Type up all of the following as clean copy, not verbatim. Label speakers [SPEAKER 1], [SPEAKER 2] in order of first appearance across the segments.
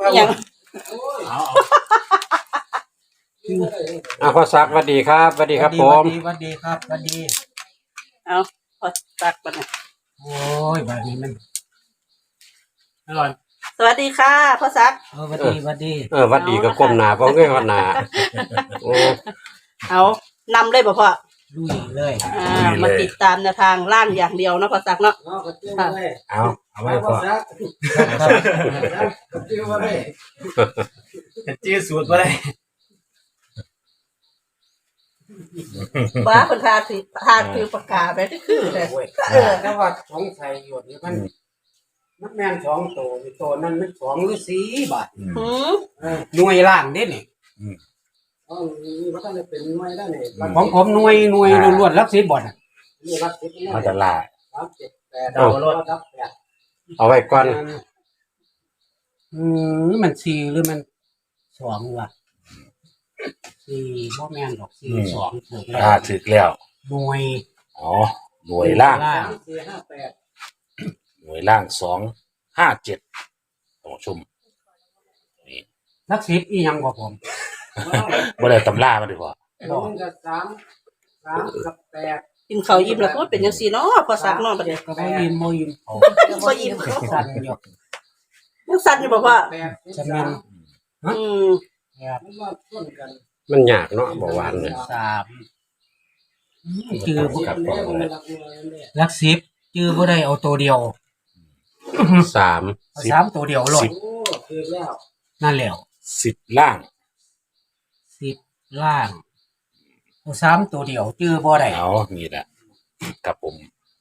[SPEAKER 1] ยัง
[SPEAKER 2] พ่อซักสวัสดีครับสวัสดีครับผม
[SPEAKER 3] สวัสดีครับสวัสดี
[SPEAKER 1] เอาพอตักไปนะ
[SPEAKER 3] โอ้ยแบบนี้มันอร่อย
[SPEAKER 1] สวัสดีค่ะพ่อซัก
[SPEAKER 3] สวัสดีสวัสดี
[SPEAKER 2] สวัสดีก็ก้มหน้าเพราะเงยหัวหน้าโอ้
[SPEAKER 1] เอานำเลยบ่พ่อ
[SPEAKER 3] ลุยเลย
[SPEAKER 1] มาติดตามแนวทางล่างอย่างเดียวนะพ่อซักเนาะ
[SPEAKER 2] เอาไว้พ่อ
[SPEAKER 3] จื้อสูตรมาเลย
[SPEAKER 1] บ้าคนทาคือปากกาไปที่คือเลย
[SPEAKER 3] แต่ว่าสงสัยอยู่นี่มันแม่น2ตัวนั้นมัน2หรือ4 บาทหน่วยล่างเด้นี่มันต้องเป็นหน่วยได้นี่ของผมหน่วยล้วนๆหลัก10บ่น่ะนี่หลัก10
[SPEAKER 2] เอาจะล่า
[SPEAKER 3] 3 7 8เอารถครับ
[SPEAKER 2] เอาไว้ก่อน
[SPEAKER 3] มัน4หรือมัน2วะ4บ่แม่นดอก4 2ถูกแล้ว
[SPEAKER 2] ถูกแล้ว
[SPEAKER 3] หน่วย
[SPEAKER 2] หน่วยล่างหน่วยล่าง257ต้องชม
[SPEAKER 3] นี่นักศิษย์อีหยังบ่ผม
[SPEAKER 2] บ่ได้ตำรามาดีกว่า
[SPEAKER 3] 1กับ3กับ8
[SPEAKER 1] กินข้าวยิ้มแล้วก็เป็นจังซี่เนาะพอซักเนาะบัดนี้
[SPEAKER 3] ก็บ่ยิ้ม
[SPEAKER 1] บ่ยิ้ม
[SPEAKER 3] สั่นอยู่
[SPEAKER 1] ยังสั่นอยู่บ่พ่อ
[SPEAKER 3] จะแม่น
[SPEAKER 2] มันยากเนาะบ่หวานเนี่ย
[SPEAKER 3] 3จื้อหลัก10จื้อบ่ได้เอาตัวเดียว3ตัวเดียวโลดนั่นแล้ว
[SPEAKER 2] 10ล่าง
[SPEAKER 3] 10ล่างเอา3ตัวเดียวจื้อบ่ได้
[SPEAKER 2] นี่แหละครับผม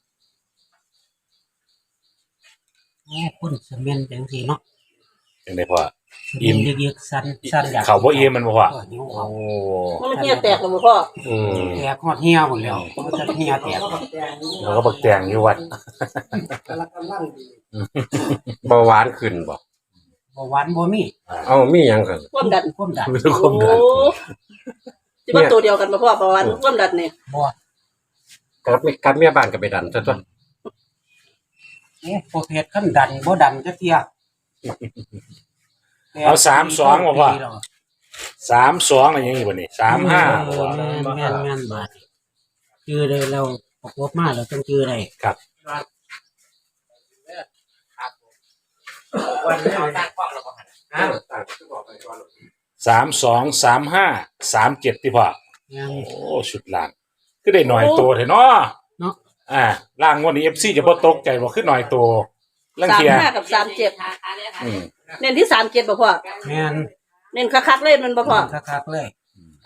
[SPEAKER 3] คนสแม่นจังซี่เนาะ
[SPEAKER 2] จังได๋พ่อ
[SPEAKER 3] อิ่มยึกๆสั่นอยาก
[SPEAKER 2] เขาบ่อิ่มมันบ่พ่อ
[SPEAKER 1] มันเหี่ยแตกแล้วบ่พ่อ
[SPEAKER 3] แตกฮอดเหี่ยหมดแล้วมันจะเหี่ยแตก
[SPEAKER 2] แล้วก็บักแตงอยู่วัดบ่หวานขึ้นบ่
[SPEAKER 3] หวานบ่มี
[SPEAKER 2] มีหยังกัน
[SPEAKER 1] ความดันสิว่าตัวเดียวกันบ่พ่อบ่หวานความดันนี่
[SPEAKER 3] บ่
[SPEAKER 2] กับเมียบ้านก็ไปดันซะตัว
[SPEAKER 3] พอเพชรคั่นดันบ่ดันจักเที่ย
[SPEAKER 2] เอา32บ่พ่อ32อะไรอย่างงี้บ่นี่35
[SPEAKER 3] แม่นบาดชื่อได้แล้วประกบมาแล้วต้องชื่อได้
[SPEAKER 2] ครับ32 35 37ที่พ่อชุดล่างก็ได้หน่อยโตเถอะเนาะล่างวันนี้ FC จะบ่ตกใจบ่ขึ้นหน่อยโตลังเทีย
[SPEAKER 1] 35กับ37เน้นที่37บ่พ่อ
[SPEAKER 3] แม่น
[SPEAKER 1] เน้นคักๆเลยมันบ่พ่อ
[SPEAKER 3] คักๆเลย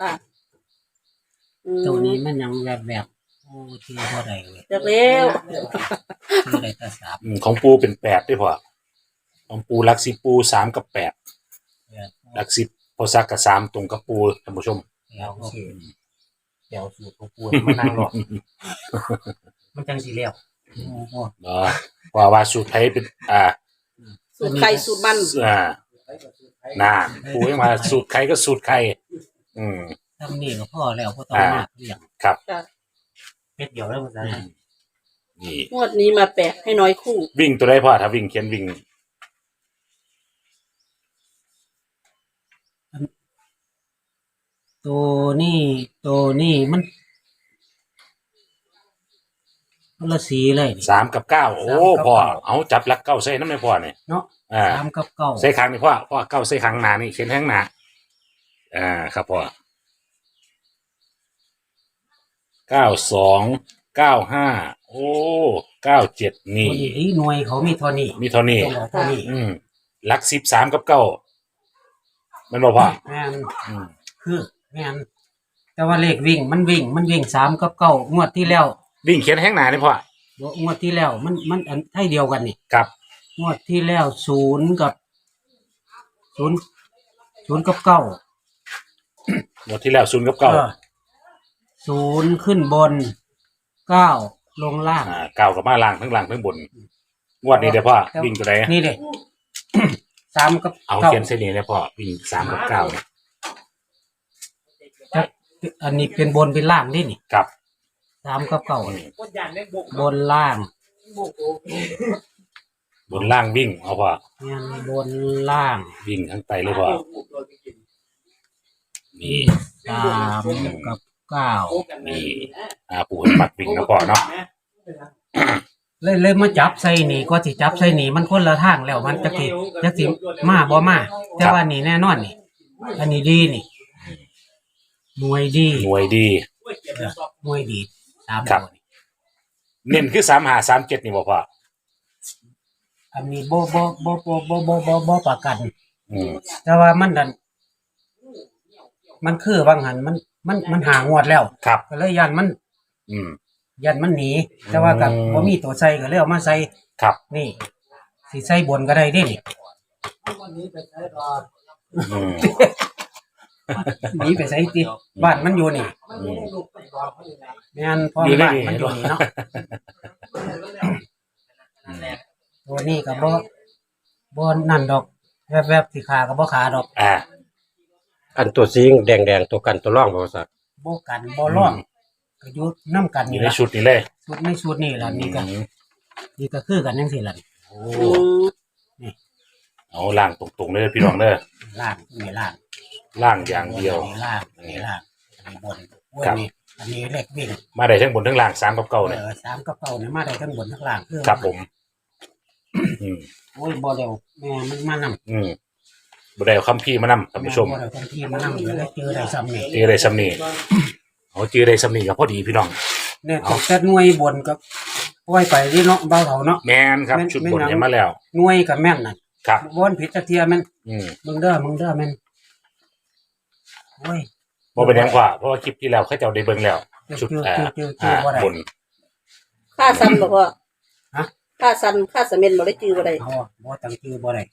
[SPEAKER 3] ตัวนี้มันยังแบบที่บ่ได้เลย
[SPEAKER 1] จักแล้ว
[SPEAKER 3] ที่ได้แต่
[SPEAKER 2] 3ของปูเป็น8ด้วยพ่อของปูหลัก10ปู3กับ8หลัก10พอซักกับ3ตรงกับปูท่านผู้ชม
[SPEAKER 3] เดี๋ยวสูตรของปูมันนั่งรอมันจังสิแล้ว
[SPEAKER 2] ว่าสูตรไทยเป็น
[SPEAKER 1] สูตรไข่สูตรมัน
[SPEAKER 2] น่าปูยังมาสูตรไข่ก็สูตรไข่
[SPEAKER 3] ทำนี่ก็พอแล้วบ่ต้องมากเรื่อง
[SPEAKER 2] ครับ
[SPEAKER 3] เม็ดเดียวแล้วมันจะ
[SPEAKER 2] นี่
[SPEAKER 1] งวดนี้มาแปะให้น้อยคู่
[SPEAKER 2] วิ่งตัวใดพ่อถ้าวิ่งเขียนวิ่ง
[SPEAKER 3] ตัวนี้มันละสีเลย
[SPEAKER 2] 3กับ9โอ้พ่อเอาจับหลัก9ใส่นำให้พ่อนี่
[SPEAKER 3] เนาะ3กับ9
[SPEAKER 2] ใส่ข้างนี่พ่อ9ใส่ข้างหน้านี่เขียนข้างหน้าครับพ่อ92 95โอ้97นี่
[SPEAKER 3] หน่วยเขามีเท่านี้
[SPEAKER 2] หลัก10 3กับ9มันบ่พ่อ
[SPEAKER 3] แม่นคือแม่นแต่ว่าเลขวิ่งมันวิ่ง3กับ9งวดที่แล้ว
[SPEAKER 2] วิ่งเขียนข้างหน้านี่พ่
[SPEAKER 3] องวดที่แล้วมันอันไทยเดียวกันนี่
[SPEAKER 2] ครับ
[SPEAKER 3] งวดที่แล้ว0กับ9
[SPEAKER 2] งวดที่แล้ว0กับ9
[SPEAKER 3] 0ขึ้นบน9ลงล่าง
[SPEAKER 2] 9กับมาล่างทั้งล่างทั้งบนงวดนี้เด้อพ่อวิ่งตัวใด
[SPEAKER 3] นี่เด้3กับ
[SPEAKER 2] เอาเขียนเส้นนี้เลยพ่อวิ่ง3กับ9
[SPEAKER 3] อันนี้เป็นบนเป็นล่างนี่
[SPEAKER 2] ครับ
[SPEAKER 3] 3กับ9บนล่าง
[SPEAKER 2] บนล่างวิ่งเอาพ่อ
[SPEAKER 3] แม่นบนล่าง
[SPEAKER 2] วิ่งทั้งไตเลยพ่อนี่
[SPEAKER 3] 3กับ9
[SPEAKER 2] นี่ปู่ให้ปักวิ่งนะพ่อเนาะ
[SPEAKER 3] เลยมาจับใส่นี่ก็สิจับใส่นี่มันคนละทางแล้วมันจักสิมาบ่มาแต่ว่านี่แน่นอนนี่อันนี้ดีนี่หน่วยดี
[SPEAKER 2] หน่วยดี
[SPEAKER 3] หน่วยดี3
[SPEAKER 2] ครับ
[SPEAKER 3] ตัวนี่
[SPEAKER 2] เน้นคือ3537นี่บ่พ่อ
[SPEAKER 3] อันนี้บ่ประกัน
[SPEAKER 2] อืม
[SPEAKER 3] แต่ว่ามันดันมันคือบางหันมันหางวดแล้ว
[SPEAKER 2] ครับ
[SPEAKER 3] ก็เลยยันมัน
[SPEAKER 2] อืม
[SPEAKER 3] ยันมันหนีแต่ว่ากับบ่มีตัวใส่ก็เลยเอามาใส่
[SPEAKER 2] ครับ
[SPEAKER 3] นี่สิใส่บนก็ได้เด้นี่
[SPEAKER 2] อืม
[SPEAKER 3] หนีไปใส่ติบ้านมันอยู่นี่
[SPEAKER 2] อืม
[SPEAKER 3] แม่นพ่อ
[SPEAKER 2] อยู่ใน
[SPEAKER 3] บ้าน
[SPEAKER 2] นี่
[SPEAKER 3] มันอยู่นี่เนาะตัวนี้ก็บ่นั่นดอกแวบๆสิขาก็บ่ขาดอก
[SPEAKER 4] อันตัวสีแดงๆตัวกันตัวร่องบ่สัก
[SPEAKER 3] บ่กันบ่ร้องก็อยู่นํกัน
[SPEAKER 2] อยู่
[SPEAKER 3] นี่
[SPEAKER 2] ใน
[SPEAKER 3] ล่ะ
[SPEAKER 2] ชุดนี้เลย
[SPEAKER 3] ชุดในชุดนี่ล่ะนี่ก็
[SPEAKER 2] อืม
[SPEAKER 3] นี่ก็คือกันจังซี่ล่ะ
[SPEAKER 2] โอ้เอาล่างตรงๆเลยพี่น้องเด้อ
[SPEAKER 3] ล่างนี่ล่าง
[SPEAKER 2] ล่างอย่างเดียว
[SPEAKER 3] นี่ล่างนี่ล่างนี่บนโอ้ย
[SPEAKER 2] ครับ
[SPEAKER 3] นี่อันนี้เลขวิ่ง
[SPEAKER 2] มาได้ทั้งบนทั้งล่าง3กับ9เนี่ย
[SPEAKER 3] 3กับ9นี่มาได้ทั้งบนทั้งล่างคือ
[SPEAKER 2] ครับผม อืม
[SPEAKER 3] โอ้ยบ่เร็วแม่มันมานำ
[SPEAKER 2] อืมบ่ได้เอาคัมภีร์มานำท่านผู้ชม
[SPEAKER 3] บ่ได้ทันทีมานำอยู่ได้เจอได้ซ้ำนี่
[SPEAKER 2] เจอได้สำนีเอาเจอได้สำนีก็พอดีพี่น้อง
[SPEAKER 3] เนี่ยแต่หน่วยบนก็ปล่อยไปที่เนาะเบาเฒ่าเนาะ
[SPEAKER 2] แมนครับ ชุดบนเนี่ยมาแล้ว
[SPEAKER 3] หน่วยก็แม่นน่ะ
[SPEAKER 2] ครับ
[SPEAKER 3] บ่อนผิดจักเที่ยแม่น
[SPEAKER 2] อืม
[SPEAKER 3] มึงเด้อแม่นโอ้ย
[SPEAKER 2] บ่เป็นหยังกว่าเพราะว่าคลิปที่แล้วเขาเจ้าได้เบิ่งแล้ว ชุด
[SPEAKER 3] บ่ได้
[SPEAKER 2] บน
[SPEAKER 1] ค่าซันบอกว่า
[SPEAKER 3] ฮะ
[SPEAKER 1] ค่าซันค่าสะเม็นบ่ได้จื้อบ่ได้
[SPEAKER 3] บ่ตั้งชื่อบ่ได้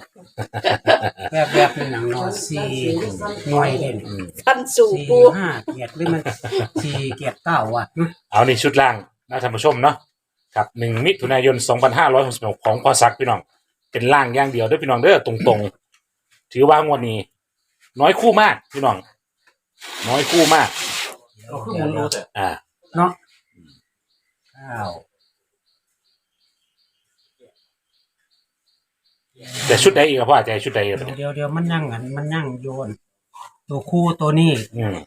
[SPEAKER 3] แบบนี่หนังเนาะ4หน่วยเด้นี่
[SPEAKER 2] อืม
[SPEAKER 1] ซันสู่
[SPEAKER 3] สี่
[SPEAKER 1] ปู
[SPEAKER 3] ห้าเกียรติหรือมัน4 9ว่ะ
[SPEAKER 2] เอานี่ชุดล่างนะท่านผู้ชมเนาะครับ1มิถุนายน2566ของพอซักพี่น้อง เป็นล่างอย่างเดียวเด้อพี่น้องเด้อตรงๆ ถือว่างวดนี้ น้อยคู่มากพี่น้อง น้อยคู่มาก
[SPEAKER 3] เนาะ
[SPEAKER 2] แต่ชุดใดอีกครับพ่ออาจารย์ชุดใดอีก
[SPEAKER 3] 9เดี๋ยวมันยั่งมันยั่งโยน ตัวคู่ตัวนี้
[SPEAKER 2] อืม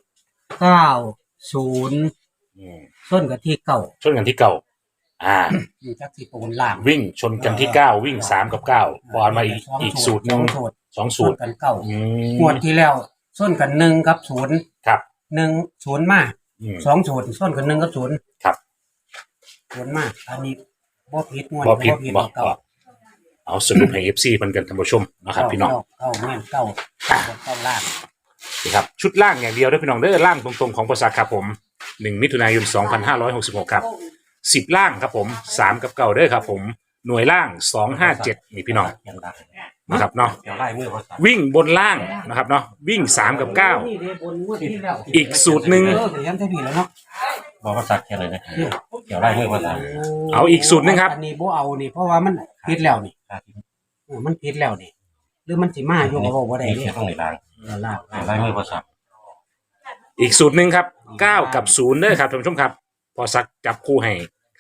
[SPEAKER 3] 90
[SPEAKER 2] อืม
[SPEAKER 3] ส้นกับที่เก่า
[SPEAKER 2] ชนกันที่เก่า
[SPEAKER 3] จักสิปูนล่าง
[SPEAKER 2] วิ่งชนกันที่9วิ่ง3กับ9พอมาอีกสูตรหนึง2 สู
[SPEAKER 3] ส้
[SPEAKER 2] ต
[SPEAKER 3] น
[SPEAKER 2] ร
[SPEAKER 3] กันเก่า
[SPEAKER 2] อืม
[SPEAKER 3] งวดที่แล้วส้นกัน1กับ0
[SPEAKER 2] ครับ
[SPEAKER 3] 1 0มา
[SPEAKER 2] อืม
[SPEAKER 3] 2 0ส้นกัน1กับ0
[SPEAKER 2] ครับ
[SPEAKER 3] 0มาอันนี้บ่ผิดงวด
[SPEAKER 2] บ่ผิดบ่
[SPEAKER 3] เก่า
[SPEAKER 2] เอาสรุปให้ FC เพิ่นกันท่านผู้ชมนะครับพี่น้อง
[SPEAKER 3] เก่าแม่นเก่าล่าง
[SPEAKER 2] นะครับชุดล่างอย่างเดียวเด้อพี่น้องเด้อล่างตรงๆของประสาทครับผม1มิถุนายน2566ครับ10ล่างครับผม3กับ9เด้อครับผมหน่วยล่าง257นี่พี่น้องนะครับเนาะ
[SPEAKER 4] เดี๋ยวไล่มือบ่สัก
[SPEAKER 2] วิ่งบนล่างนะครับเนาะวิ่ง3กับ
[SPEAKER 3] นี่เด้บนงวดที่แล้ว
[SPEAKER 2] อีกสูตรหนึ่ง
[SPEAKER 3] เดี๋ยวย้ำได้ดีแล้วเนาะ
[SPEAKER 4] บ่บ่สักแค่เลยนะเดี๋ยวไล่มือบ่สัก
[SPEAKER 2] 9เอาอีกสูตรหนึงครับ
[SPEAKER 3] อันนี้บ่เอานี่เพราะว่ามันผิดแล้วนี่มันผิดแล้วนี่หรือมันสิมาอยู่ก็บ่ได้
[SPEAKER 4] นี่
[SPEAKER 3] เด้
[SPEAKER 4] แค่ต้องในล่าง
[SPEAKER 3] ล่าง
[SPEAKER 4] ไล่มือบ่สัก
[SPEAKER 2] อีกสูตรหนึ่งครับ9กับ0เด้อครับท่านผู้ชมครับพอสักจับคู่ให้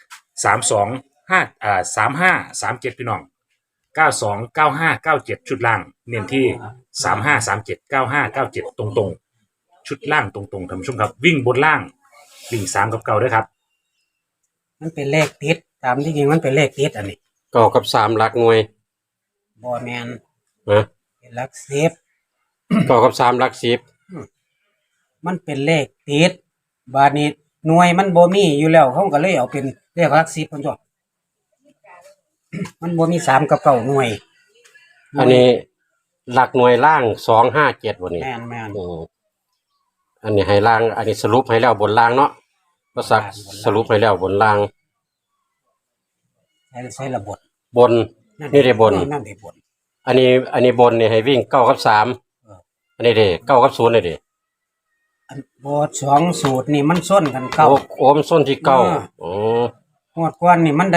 [SPEAKER 2] 3537พี่น้อง929597ชุดล่างเน้นที่35379597ตรงๆชุดล่างตรงๆท่านผู้ชมครับวิ่งบนล่างวิ่ง3กับ9ด้วยครับ
[SPEAKER 3] มันเป็นเลขติดตามที่จริงมันเป็นเลขติดอันนี้
[SPEAKER 4] ก็กับ3หลักหน่วย
[SPEAKER 3] บ่แม่น
[SPEAKER 4] นะ
[SPEAKER 3] เป็นหลัก10
[SPEAKER 4] ก็กับ3หลัก10
[SPEAKER 3] มันเป็นเลขติดบาดนี้หน่วยมันบ่มีอยู่แล้วเขาก็เลยเอาเป็นเลขหลัก10เพิ่นจ้ะมันบ่มี3กับ9หน่วย
[SPEAKER 4] อันนี้หลักหน่วยล่าง257บ่นี่
[SPEAKER 3] แม่น
[SPEAKER 4] อันนี้ให้ล่าง อันนี้สรุปให้แล้วบนล่างเนาะบ่สักสรุปให้แล้วบนล่าง
[SPEAKER 3] ใช้ระบบ
[SPEAKER 4] บน นี่ได้บน
[SPEAKER 3] นั่นได้บน
[SPEAKER 4] อันนี้บนนี่ให้วิ่ง9กับ3อันนี้เด้9กับ0นี่เด้
[SPEAKER 3] อันบ่2สูตรนี่มันส้นกันเก่า
[SPEAKER 4] โอ้มันส้นที่9อ๋อ
[SPEAKER 3] งวดก่อนนี่มันได้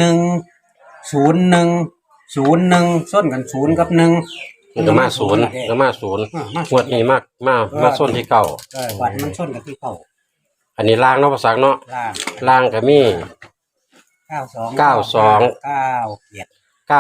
[SPEAKER 3] 101ส้นกัน0กับ1
[SPEAKER 4] มันก็มา0ก็มา0งวดนี้มาส้นที่9
[SPEAKER 3] วัดมันส้นกับที่เก่า
[SPEAKER 4] อันนี้ล่างเนาะภาษาเนาะ
[SPEAKER 3] ล่าง
[SPEAKER 4] ล่างก็มี
[SPEAKER 3] 92
[SPEAKER 4] 92
[SPEAKER 3] 97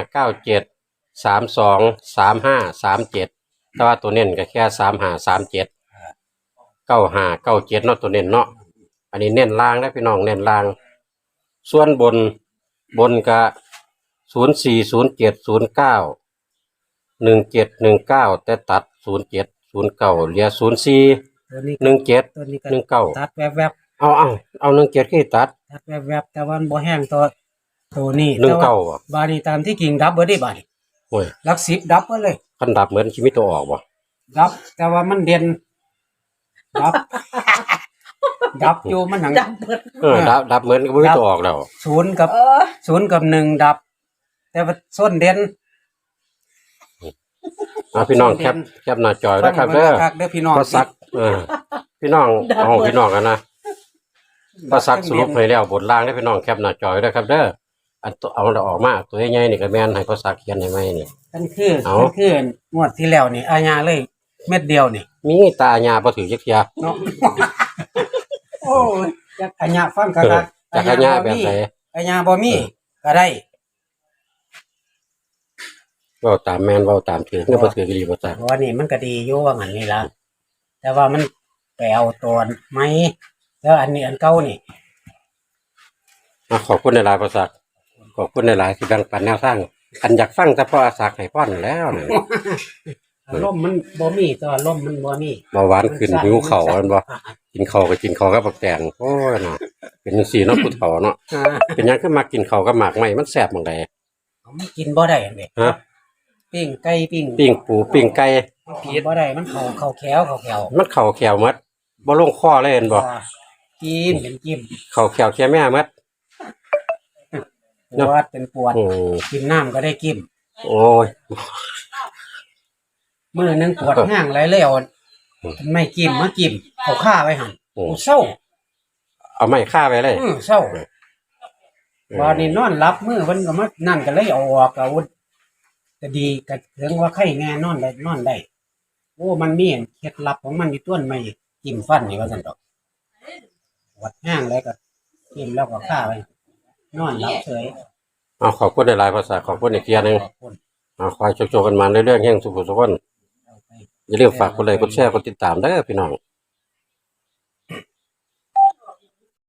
[SPEAKER 4] 9597 32 35 37แต่ว่าตัวเน้นก็แค่35 37 95 97เนาะตัวเน้นเนาะอันนี้เน้นล่างนะพี่น้องเน้นล่าง ส่วนบนก็04 07 09 17 19แต่ตัด07 09เหลือ04
[SPEAKER 3] ตัวนี้
[SPEAKER 4] 17
[SPEAKER 3] ตัวนี้ก็
[SPEAKER 4] 19
[SPEAKER 3] ตัดแวบ
[SPEAKER 4] เอา17คือตัด
[SPEAKER 3] ๆตัดแวบๆแต่ว่ามันบ่แห้งตัวนี้
[SPEAKER 4] 19
[SPEAKER 3] แต่ว่า
[SPEAKER 4] อ่ะ
[SPEAKER 3] บาดนี้ตามที่กิ่งดับเบิดได้บาดนี้
[SPEAKER 4] โอ้ย
[SPEAKER 3] หลัก10ดับเบิดเลย
[SPEAKER 4] คันดับเหมือนชีวิตตัวออกบ่
[SPEAKER 3] ดับ แต่ว่ามันเด่นดับ ดับอยู่มันหนัง
[SPEAKER 1] จับเบิด
[SPEAKER 4] ดับเหมือนก็บ่มีตัวออกแล้ว
[SPEAKER 3] ศูนย์กับ
[SPEAKER 1] เออ
[SPEAKER 3] 1ดับ แต่ว่าส้นเด่น
[SPEAKER 4] พี่น้องแคปหน้าจอยแล้วครับเด้อ
[SPEAKER 3] คักเด้อพี่น้อง
[SPEAKER 4] พอสักพี่น้องเอาพี่น้องกันนะพอสักสรุปให้แล้วบทล่างได้พี่น้องแคปหน้าจอยแล้วครับเด้ออันตัวเอาออกมาตัวใหญ่ๆนี่ก็แม่นให้พอสักเขียนให้ไหมนี่
[SPEAKER 3] นั่นคืองวดที่แล้วนี่อาญาเลย เม็ดเดียวนี่
[SPEAKER 4] มีตาญาบ่ถือจักเที่ย
[SPEAKER 3] เนาะ โอ้ยจักอาญาฟังคัก
[SPEAKER 4] จักรญาแบบไหน
[SPEAKER 3] อาญาบ่มีก็ได้
[SPEAKER 4] เว้าตามแม่นเว้าตามถือเนี่ยบ่ถือก็ดีบ่จัก
[SPEAKER 3] เพราะว่านี่มันก็ดีอยู่ว่างั้นนี่ล่ะแต่ว่ามันไปเอาตัวไหมแล้วอันนี้อันเก่านี่
[SPEAKER 4] ขอบคุณหลายๆพอสักขอบคุณหลายๆที่แบ่งปันแนวทางอันอยากฟังแต่พอสักให้พรแล้วนี่
[SPEAKER 3] ลมมันบ่มีตัวลมมันบ่มี
[SPEAKER 4] เบาหวานขึ้นหิวข้าวอันบ่กินข้าวก็กินข้าวกับบักแตงโอ้ยเนาะเป็นจังซี่เนาะผู้เฒ่าเนาะเป็นหยังคือมากินข้าวกับหมากไหม้มันแซ่บหม่องใด
[SPEAKER 3] มันกินบ่ได้อันนี้
[SPEAKER 4] ฮะ
[SPEAKER 3] ปิ้งไก่ปิ้ง
[SPEAKER 4] ปิ้งปูปิ้งไก่
[SPEAKER 3] กินบ่ได้มันเข้าแขว
[SPEAKER 4] มันเข้าแขวหมดบ่ลงคอเลยเห็นบ่
[SPEAKER 3] กินเป็นจิ้ม
[SPEAKER 4] เข้าแขวแค่แม่หมด
[SPEAKER 3] ปวดเป็นปวด
[SPEAKER 4] โอ้
[SPEAKER 3] กินน้ำก็ได้กิน
[SPEAKER 4] โอ้ย
[SPEAKER 3] มื้อนึงปวดห้างหลายเลยเอาไม่กินมากินเอาข้าไว้หั่น
[SPEAKER 4] โอ้
[SPEAKER 3] กูเศร้า
[SPEAKER 4] เอาไม้ฆ่าไปเลย
[SPEAKER 3] เศร้าวันนี้นอนหลับมื้อเพิ่นก็มานั่นก็เลยเอาออกเอาก็ดีก็ถึงว่าไข้แน่นอนได้โอ้มันมีเคล็ดลับของมันอยู่ต้นไม้จิ้มฟันนี่ว่าซั่นดอกปวดห้างแล้วก็กินแล้วก็ข้าไว้นอนหลับเฉย
[SPEAKER 4] เอาขอบคุณหลายๆภาษาขอบคุณอีกเที่ยหนึง
[SPEAKER 3] ขอบคุณ
[SPEAKER 4] เอาคอยโชคๆกันมาเรื่อยๆแห่งสุขสุขคน
[SPEAKER 3] เอาไป
[SPEAKER 4] อย่าลืมฝากกดไลค์กดแชร์กดติดตามเด้อพี่น้อง